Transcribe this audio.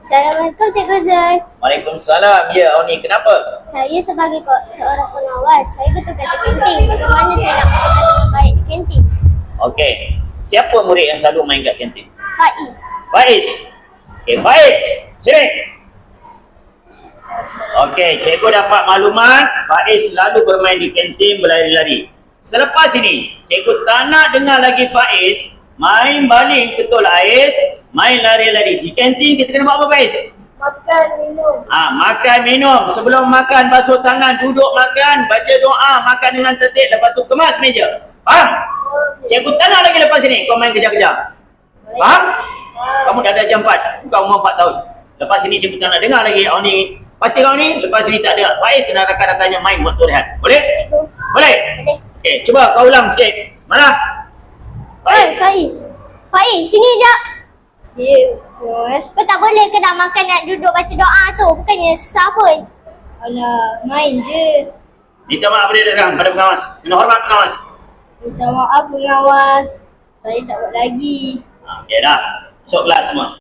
Assalamualaikum Cikgu Zul. Waalaikumsalam. Ya, Oni, kenapa? Saya sebagai seorang pengawas, saya bertugas di kantin. Bagaimana saya nak bertugas dengan baik di kantin? Okey. Siapa murid yang selalu main kat kantin? Faiz. Faiz. Okey, Faiz. Sini. Okey, cikgu dapat maklumat Faiz selalu bermain di kantin berlari-lari. Selepas ini, cikgu tak nak dengar lagi Faiz main baling ketul ais, main lari-lari. Di kantin kita kena buat apa, Faiz? Makan, minum. Makan, minum. Sebelum makan, basuh tangan, duduk makan, baca doa, makan dengan tertib. Lepas tu kemas meja. Faham? Cikgu tak nak lagi lepas sini kau main kejar-kejar. Faham? Kamu dah ada jam 4. Kau umur 4 tahun. Lepas sini cikgu tak nak dengar lagi. Oni, pasti kau ni lepas sini tak ada. Faiz kena rakan-rakannya main waktu rehat. Boleh? Cikgu. Boleh? Boleh. Okey, cuba kau ulang sikit. Mana? Oi, Faiz. Faiz, sini jap. Ya, bos. Kau tak boleh ke nak makan, nak duduk baca doa tu? Bukannya susah pun. Alah, main je. Minta maaf pada datang pada pengawas. Kena hormat pengawas. Minta maaf pengawas. Saya tak buat lagi. Okey dah. Masuk kelas semua.